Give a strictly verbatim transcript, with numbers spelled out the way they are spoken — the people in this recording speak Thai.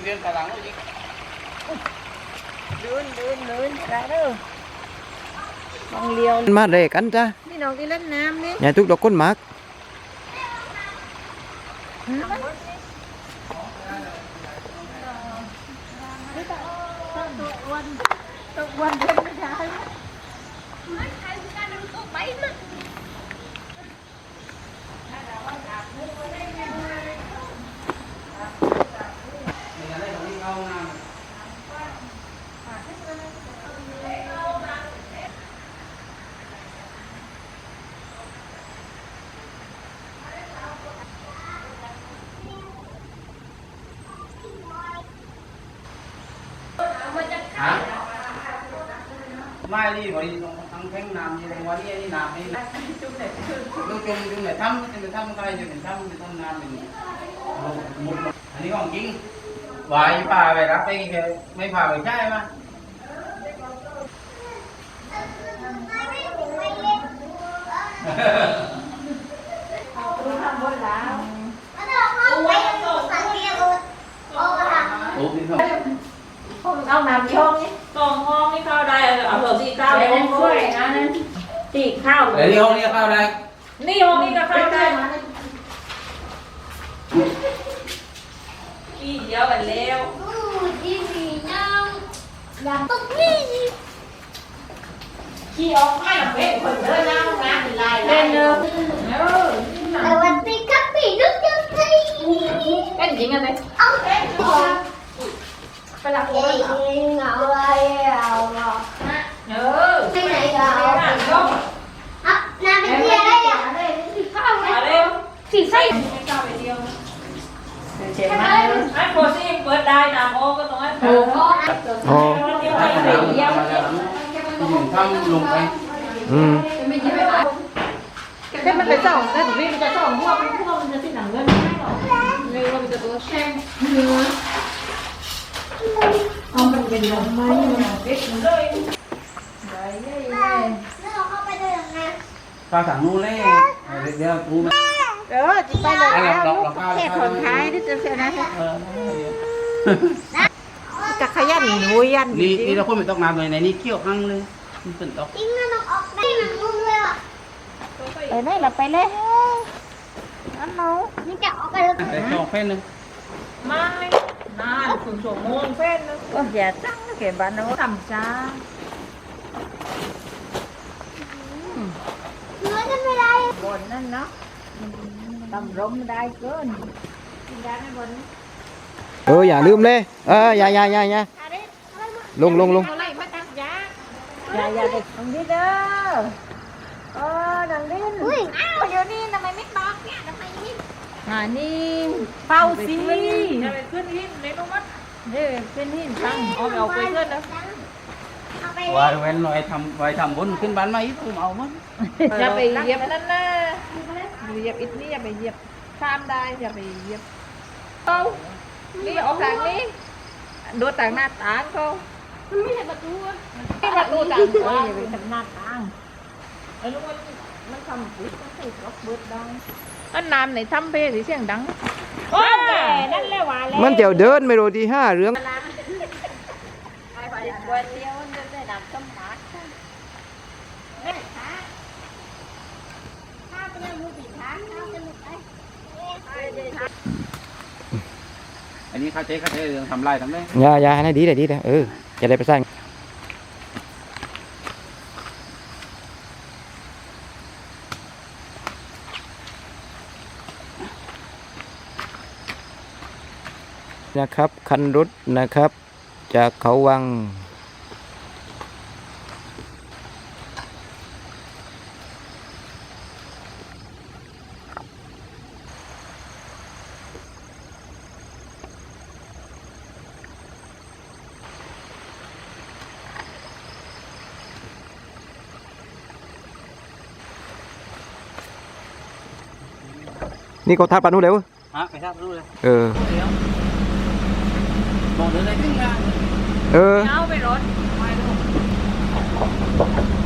เรียนกระลังเลยเดินเดินเดินได้เด้อมองเลี้ยวมาเรกันจ้ะนี่น้องที่เล่นน้ำนี่อย่าทุกดอกก้นหมากวันตกวันเดินไม่ได้ไม่ใช่การดูตกไปนะไม่ดีพอดีตรงทั้งแข้งน้ำยี่ตรงวันนี้นี่น้ำนี่จุ่มเนี่ยจุ่มจุ่มจุ่มเนี่ยทำจะทำอะไรจะเป็นทำจะทำน้ำเป็นมุดอันนี้ของจริงวายพาไปรับไปไม่พาไปใช่ไหมเอาน้ำช่องนี่กองห้องนี่เข้าได้เอาเถอะสี่เก้าเลยห้องช่วยนะนั่นตีข้าวเดี๋ยวนี้ห้องนี้เข้าได้นี่ห้องนี้ก็เข้าได้ขี้เดียวกันแล้วขี้ออกไม่หลังเว้นคนเดินหน้าห้องน้ำเป็นลายเล่นเนอะเออแต่วันปีกับปีนึกยังไงเป็นจริงอะไรเอาเองไปหลังเองเอาอะไรเอาเออที่ไหนเอาอ่ะน้ำเป็นเที่ยได้อ่ะสีข้าวเลยสีไส้ข้าวไปเดียวเจ็บมากไอ้โคซี่เปิดได้น้ำโอ้ก็ตรงนั้นโอ้โอ้ทำลงไปอืมแค่มันเป็นสองแต่ถึงนี่มันจะสองพวกพวกมันจะสิ้นหนังเงินไม่หรอกเลยว่ามันจะตัวแช่งเนื้อเอามันเป็นลมไหมมันเด็กมันเลยแล้วเราเข้าไปได้ยังไงปลาสั่งนู้นเลยเดี๋ยวกูเออจะไปเลยแล้วลูกแค่คนท้ายที่จะเสียนะจะขยันหนูยันนี่นี่เราคนไม่ต้องน้ำเลยในนี้เคี่ยวหั่งเลยมันเป็นตอกจริงนะน้องออกได้หนังนุ่มเลยอ่ะไปเลยเราไปเลยอันน้องนี่จะออกไปเลยแต่สองเฟ้นนึงไม่นานถึงชั่วโมงเฟ้นนึงก็อย่าตั้งเก็บบ้านน้องทำจ้าเนื้อจะไม่ได้บนนั่นเนาะตำร้มได้เกินกินได้ไม่บนเอออย่าลืมเลยเอออย่าอย่าอย่าอย่าลงลงลงอย่าอย่าเด็กตรงนี้เด้อเออดังดิ้นอุ้ยอ้าวเดี๋ยวนี้ทำไมไม่บอกเนี่ยทำไมนี่อ่านี่เฝ้าสิจะไปขึ้นหินเลยน้องมัดเด้อขึ้นหินตั้งเอาเอาไปขึ้นนะวายเว้นหน่อยทำวายทำบนขึ้นบ้านมาอีกผมเอามั้งอย่าไปเหยียบนั่นนะเหยียบอิฐนี่อย่าไปเหยียบข้ามได้อย่าไปเหยียบเอานี่ออกทางนี้ดูต่างหน้าต่างเขามันไม่ใช่ประตูไม่ประตูต่างเอออย่าไปทำหน้าต่างไอ้ลูกมันมันทำปุ๊บมันใส่ล็อกเบิร์ดได้อันน้ำไหนทำเพลเสียงดังโอ้ยนั่นแหละว่าแล้วมันเจียวเดินไม่รู้ที่ห้าเรื่องวันเดียวมันจะได้ดับต้มหมาแม่ขาข้าวเป็นมือปีขาข้าวเป็นมือไปอันนี้ข้าเจ๊ข้าเจ๊เรื่องทำลายทำได้อย่าอย่าให้ดีเลยดีเลยเออจะได้ไปสร้างนะครับคันรถนะครับจากเขาวังนี่เขาทัดปานุเลยวะฮะไปทัดปานุเลยเออบอกเดินเลยขึ้นมาเออเอาไปรถไปลูก